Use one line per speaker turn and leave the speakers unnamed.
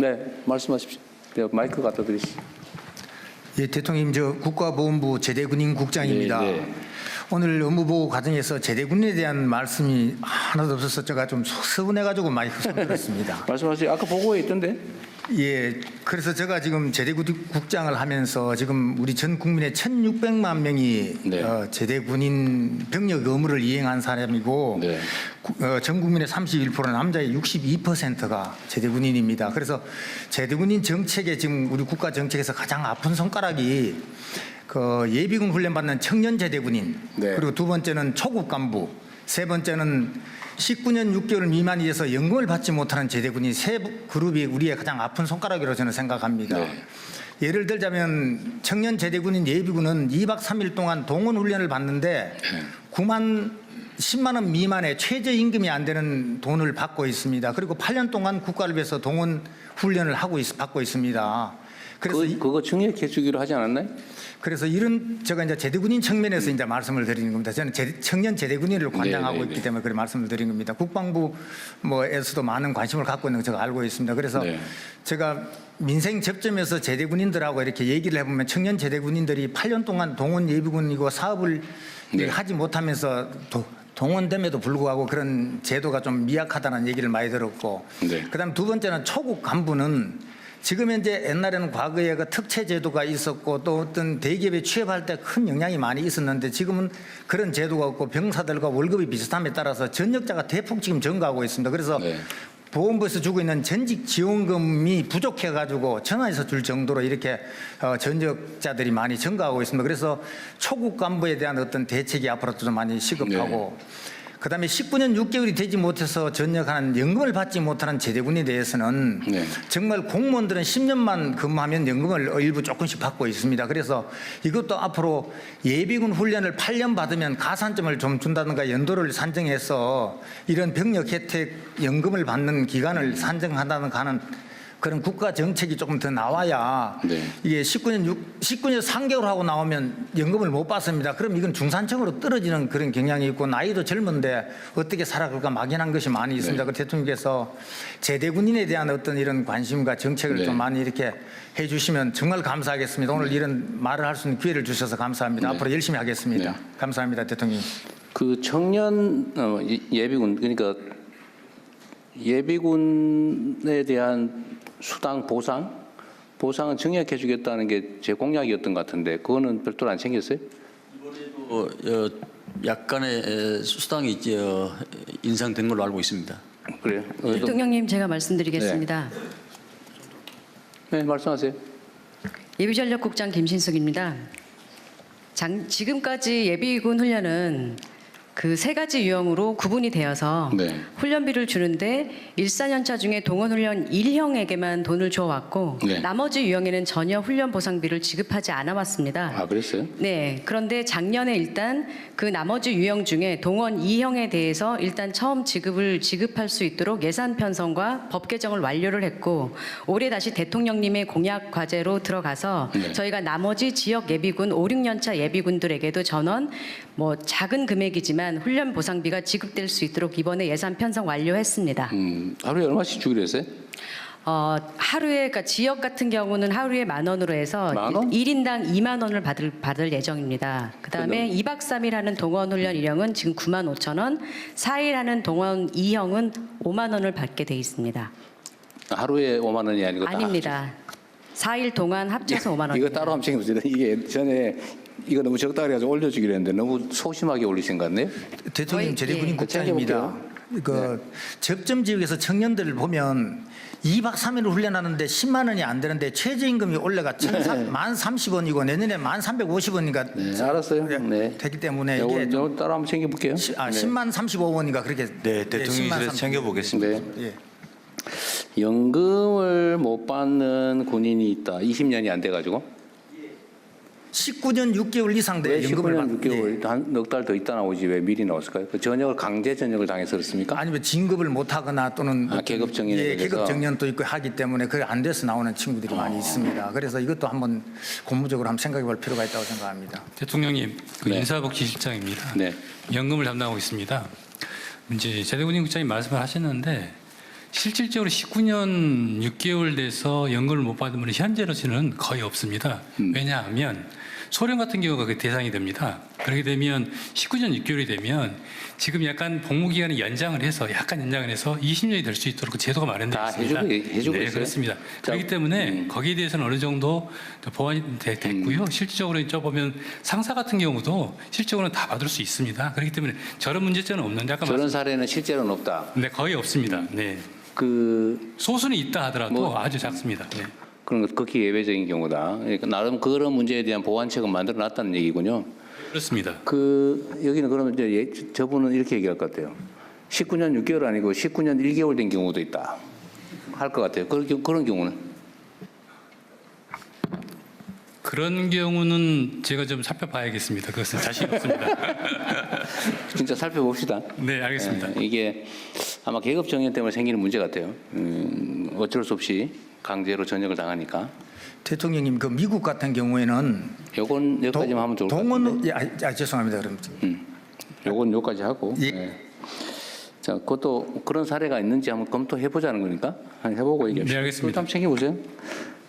네, 말씀하십시오. 마이크 갖다 드리시죠.
예, 대통령님, 저 국가보훈부 제대군인 국장입니다.
네.
오늘 업무보고 과정에서 제대군인에 대한 말씀이 하나도 없어서 제가 좀 서운해가지고 많이 흐뭇했습니다.
말씀하세요. 아까 보고에 있던데.
예, 그래서 제가 지금 제대군인 국장을 하면서 지금 우리 전 국민의 1,600만 명이
네.
제대군인 병력 의무를 이행한 사람이고
네.
전 국민의 31% 남자의 62%가 제대군인입니다. 그래서 제대군인 정책에 지금 우리 국가 정책에서 가장 아픈 손가락이 그 예비군 훈련 받는 청년 제대군인,
네.
그리고 두 번째는 초급 간부, 세 번째는 19년 6개월 미만이 돼서 연금을 받지 못하는 제대군인 세 그룹이 우리의 가장 아픈 손가락이라고 저는 생각합니다.
네.
예를 들자면 청년 제대군인 예비군은 2박 3일 동안 동원 훈련을 받는데 10만 원 미만의 최저임금이 안 되는 돈을 받고 있습니다. 그리고 8년 동안 국가를 위해서 동원 훈련을 받고 있습니다. 그래서
그거 증액해 주기로 하지 않았나요?
그래서 이런 제가 이제 제대군인 측면에서 이제 말씀을 드리는 겁니다. 저는 청년 제대군인을 관장하고
네네네.
있기 때문에 그런 말씀을 드리는 겁니다. 국방부 뭐에서도 많은 관심을 갖고 있는 거 제가 알고 있습니다. 그래서
네.
제가 민생 접점에서 제대군인들하고 이렇게 얘기를 해보면 청년 제대군인들이 8년 동안 동원 예비군이고 사업을
네.
하지 못하면서 동원됨에도 불구하고 그런 제도가 좀 미약하다는 얘기를 많이 들었고,
네.
그다음 두 번째는 초급 간부는 지금 현재 옛날에는 과거에 그 특채 제도가 있었고 또 어떤 대기업에 취업할 때 큰 영향이 많이 있었는데 지금은 그런 제도가 없고 병사들과 월급이 비슷함에 따라서 전역자가 대폭 지금 증가하고 있습니다. 그래서
네.
보건부에서 주고 있는 전직 지원금이 부족해가지고 전화해서 줄 정도로 이렇게 전역자들이 많이 증가하고 있습니다. 그래서 초급 간부에 대한 어떤 대책이 앞으로도 좀 많이 시급하고, 그다음에 19년 6개월이 되지 못해서 전역하는 연금을 받지 못하는 제대군에 대해서는
네.
정말 공무원들은 10년만 근무하면 연금을 일부 조금씩 받고 있습니다. 그래서 이것도 앞으로 예비군 훈련을 8년 받으면 가산점을 좀 준다든가 연도를 산정해서 이런 병력 혜택 연금을 받는 기간을 산정한다든가 하는 그런 국가 정책이 조금 더 나와야
네.
이게 19년 3개월 하고 나오면 연금을 못 받습니다. 그럼 이건 중산층으로 떨어지는 그런 경향이 있고 나이도 젊은데 어떻게 살아갈까 막연한 것이 많이 있습니다.
네.
그 대통령께서 제대군인에 대한 어떤 이런 관심과 정책을
네.
좀 많이 이렇게 해 주시면 정말 감사하겠습니다. 오늘 이런 말을 할 수 있는 기회를 주셔서 감사합니다.
네.
앞으로 열심히 하겠습니다.
네.
감사합니다, 대통령.
그 청년 예비군, 그러니까 예비군에 대한 수당 보상은 증액해 주겠다는 게 제 공약이었던 것 같은데 그거는 별도로 안 챙겼어요?
이번에도 약간의 수당이 인상된 걸로 알고 있습니다.
그래요?
대통령님, 제가 말씀드리겠습니다.
네, 말씀하세요.
예비전력국장 김신숙입니다. 지금까지 예비군 훈련은 그 세 가지 유형으로 구분이 되어서
네.
훈련비를 주는데 1~4년차 중에 동원훈련 1형에게만 돈을 줘왔고
네.
나머지 유형에는 전혀 훈련 보상비를 지급하지 않아 왔습니다.
아, 그랬어요?
네. 그런데 작년에 일단 그 나머지 유형 중에 동원 2형에 대해서 일단 처음 지급할 수 있도록 예산 편성과 법 개정을 완료를 했고 올해 다시 대통령님의 공약 과제로 들어가서
네.
저희가 나머지 지역 예비군 5~6년차 예비군들에게도 전원 뭐 작은 금액이지만 훈련 보상비가 지급될 수 있도록 이번에 예산 편성 완료했습니다.
하루에 얼마씩 주기로 했어요?
하루에, 그러니까 지역 같은 경우는 하루에 10,000원으로 해서
10,000원?
1인당 20,000원을 받을 예정입니다. 그다음에 2박 3일 하는 동원 훈련 1형은 지금 95,000원, 4일 하는 동원 2형은 50,000원을 받게 돼 있습니다.
하루에 5만 원이 아니고
아닙니다. 4일 동안 합쳐서 5만 원.
이거 따로 한번 챙겨보세요. 이게 전에 이거 너무 적다 그래가지고 올려주기로 했는데 너무 소심하게 올리신 것 같네요.
대통령
저희-
제대군인
예.
국장입니다. 그 접점 지역에서 청년들을 보면 2박 3일 훈련하는데 10만 원이 안 되는데 최저임금이 올라가 1,030원이고 내년에 1,350원이니까
네, 알았어요. 네.
되기 때문에
요거
이게 좀
따로 한번 챙겨볼게요.
10만 35원인가 그렇게
네, 대통령실에서 챙겨보겠습니다.
네.
예.
연금을 못 받는 군인이 있다. 20년이 안 돼가지고.
19년 6개월 이상
왜
돼 연금을
19년
받- 예.
6개월 한 넉 달 더 있다 나오지 왜 미리 나왔을까요? 그 전역을 강제 전역을 당해서 그렇습니까?
아니면 진급을 못 하거나 또는
계급 정년에
예,
대해서?
계급 정년도 있고 하기 때문에 그게 안 돼서 나오는 친구들이 많이 있습니다. 그래서 이것도 한번 고무적으로 한번 생각해 볼 필요가 있다고 생각합니다.
대통령님, 그
네.
인사복지실장입니다.
네.
연금을 담당하고 있습니다. 이제 제대군인 국장님 말씀을 하셨는데 실질적으로 19년 6개월 돼서 연금을 못 받은 분은 현재로서는 거의 없습니다. 왜냐하면 소련 같은 경우가 그 대상이 됩니다. 그렇게 되면 19년 6개월이 되면 지금 약간 복무 기간을 연장을 해서 20년이 될 수 있도록 그 제도가 마련되어
다
있습니다.
해주고
네,
있어요?
그렇습니다.
자,
그렇기 때문에 거기에 대해서는 어느 정도 보완이 됐고요. 실질적으로 이제 보면 상사 같은 경우도 실질적으로는 다 받을 수 있습니다. 그렇기 때문에 저런 문제점은 없는데 아까
저런 사례는 실제로는 없다.
네, 거의 없습니다. 네.
그
소수는 있다 하더라도
뭐-
아주 작습니다. 네.
그런 것 극히 예외적인 경우다. 그러니까 나름 그런 문제에 대한 보완책은 만들어 놨다는 얘기군요.
그렇습니다.
그 여기는 그러면 이제 저분은 이렇게 얘기할 것 같아요. 19년 6개월 아니고 19년 1개월 된 경우도 있다. 할 것 같아요. 그런 경우는
그런 경우는 제가 좀 살펴봐야겠습니다. 그것은 자신 없습니다.
진짜 살펴봅시다.
네, 알겠습니다.
예, 이게 아마 계급 정년 때문에 생기는 문제 같아요. 어쩔 수 없이 강제로 전역을 당하니까.
대통령님 그 미국 같은 경우에는
요건 여기까지만 하면 좋을 것
동원
같은데.
죄송합니다. 그럼
요건 여기까지 하고.
예.
예. 자, 그것도 그런 사례가 있는지 한번 검토해 보자는 거니까 한번 해보고 얘기합시다.
네, 알겠습니다.
좀 챙겨보세요.